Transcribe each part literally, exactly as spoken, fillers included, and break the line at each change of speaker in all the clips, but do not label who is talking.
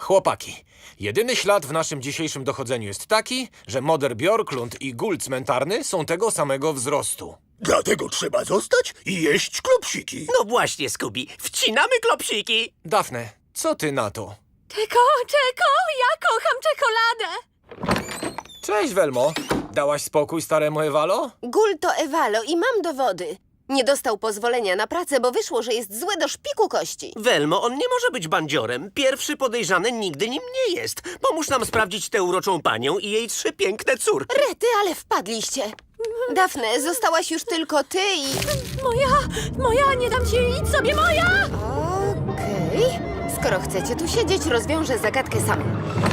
Chłopaki, jedyny ślad w naszym dzisiejszym dochodzeniu jest taki, że Moder Bjorklund i gul cmentarny są tego samego wzrostu.
Dlatego trzeba zostać i jeść klopsiki.
No właśnie, Scooby, wcinamy klopsiki.
Dafne, co ty na to?
Czeko, Czeko, ja kocham czekoladę!
Cześć, Welmo. Dałaś spokój staremu Ewalo?
Gul to Ewalo i mam dowody. Nie dostał pozwolenia na pracę, bo wyszło, że jest zły do szpiku kości.
Welmo, on nie może być bandziorem. Pierwszy podejrzany nigdy nim nie jest. Pomóż nam sprawdzić tę uroczą panią i jej trzy piękne córki.
Rety, ale wpadliście. Dafne, zostałaś już tylko ty i... Moja, moja, nie dam ci, idź sobie, moja! Okej. Skoro chcecie tu siedzieć, rozwiążę zagadkę sam.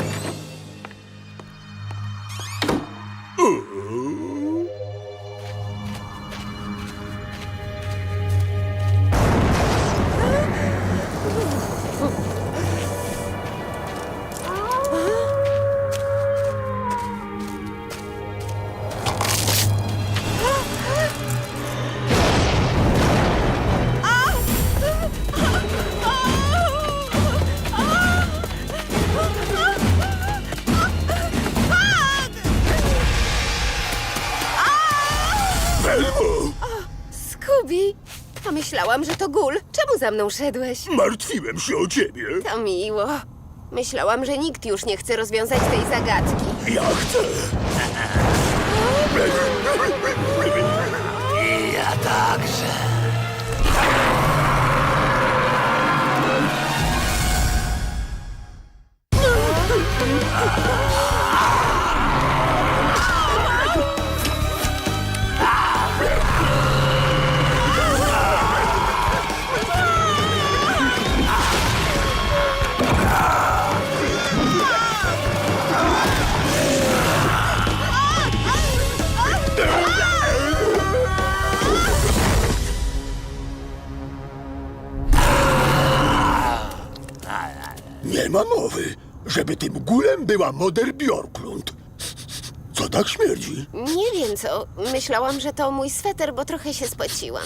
Welmo,
Scooby, pomyślałam, że to Gul. Czemu za mną szedłeś?
martwiłem się o ciebie.
To miło. Myślałam, że nikt już nie chce rozwiązać tej zagadki.
Ja chcę.
I ja także.
Nie ma mowy, żeby tym gulem była Moder Bjorklund. Co tak śmierdzi?
Nie wiem co. Myślałam, że to mój sweter, bo trochę się spociłam.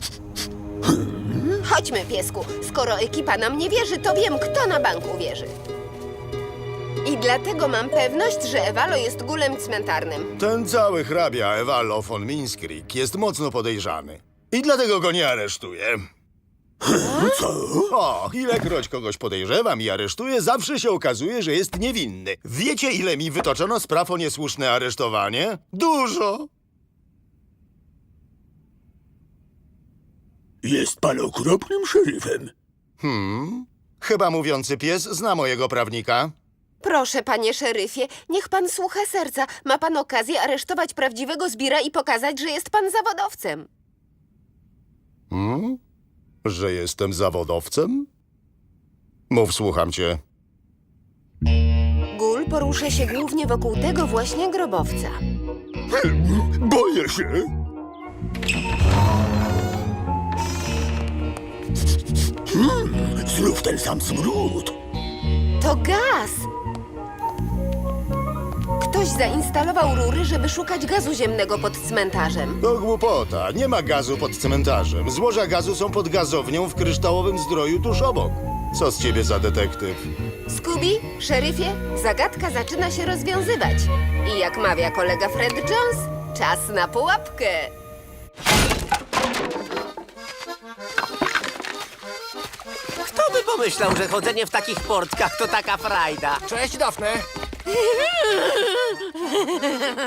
Chodźmy, piesku. Skoro ekipa nam nie wierzy, to wiem, kto na bank uwierzy. I dlatego mam pewność, że Ewalo jest gulem cmentarnym.
Ten cały hrabia Ewalo von Minskrik jest mocno podejrzany. I dlatego go nie aresztuję.
Co?
O, ilekroć kogoś podejrzewam i aresztuję, zawsze się okazuje, że jest niewinny. Wiecie, ile mi wytoczono spraw o niesłuszne aresztowanie? Dużo!
Jest pan okropnym szeryfem.
Hmm? Chyba mówiący pies zna mojego prawnika.
Proszę, panie szeryfie, niech pan słucha serca. Ma pan okazję aresztować prawdziwego zbira i pokazać, że jest pan zawodowcem.
Hmm? Że jestem zawodowcem? Mów, słucham cię.
Gul porusza się głównie wokół tego właśnie grobowca.
Boję się. Hmm, znów ten sam smród.
To gaz! Ktoś zainstalował rury, żeby szukać gazu ziemnego pod cmentarzem.
To głupota. Nie ma gazu pod cmentarzem. Złoża gazu są pod gazownią w kryształowym zdroju tuż obok. Co z ciebie za detektyw?
Scooby, szeryfie, zagadka zaczyna się rozwiązywać. I jak mawia kolega Fred Jones, czas na pułapkę.
Kto by pomyślał, że chodzenie w takich portkach to taka frajda?
Cześć, Dafne.